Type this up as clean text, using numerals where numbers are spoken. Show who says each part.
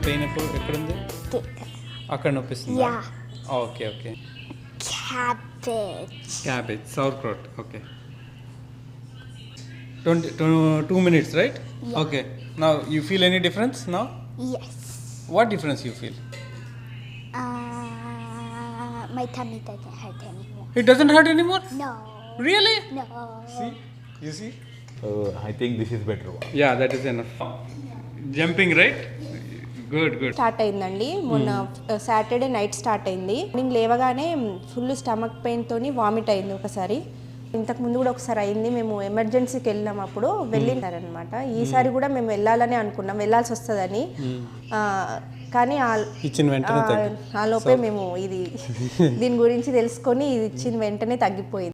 Speaker 1: Pain ఎక్కడుంది? అక్కడ నొప్పిస్తుంది. Okay okay. Cabbage sauerkraut. Okay. 2 minutes, right?
Speaker 2: Yeah.
Speaker 1: Okay. Now you feel any difference now?
Speaker 2: Yes.
Speaker 1: What difference you feel?
Speaker 2: My tummy doesn't hurt anymore.
Speaker 1: It doesn't hurt anymore?
Speaker 2: No.
Speaker 1: Really?
Speaker 2: No.
Speaker 1: See? You see?
Speaker 3: I think this is better one.
Speaker 1: Yeah, that is enough. Jumping, right? Good.
Speaker 4: Start అయిందండి మొన్న Saturday night start అయింది. Morning లేవగానే full stomach పెయిన్తోని vomit అయింది ఒకసారి. ఇంతకు ముందు కూడా ఒకసారి అయింది. మేము ఎమర్జెన్సీకి వెళ్ళినాం, అప్పుడు వెళ్ళినారనమాట. ఈసారి కూడా మేము వెళ్ళాలని అనుకున్నాం, వెళ్ళాల్సి వస్తుందని. కానీ ఆ లోపే మేము దీని గురించి తెలుసుకొని ఇది ఇచ్చిన వెంటనే తగ్గిపోయింది.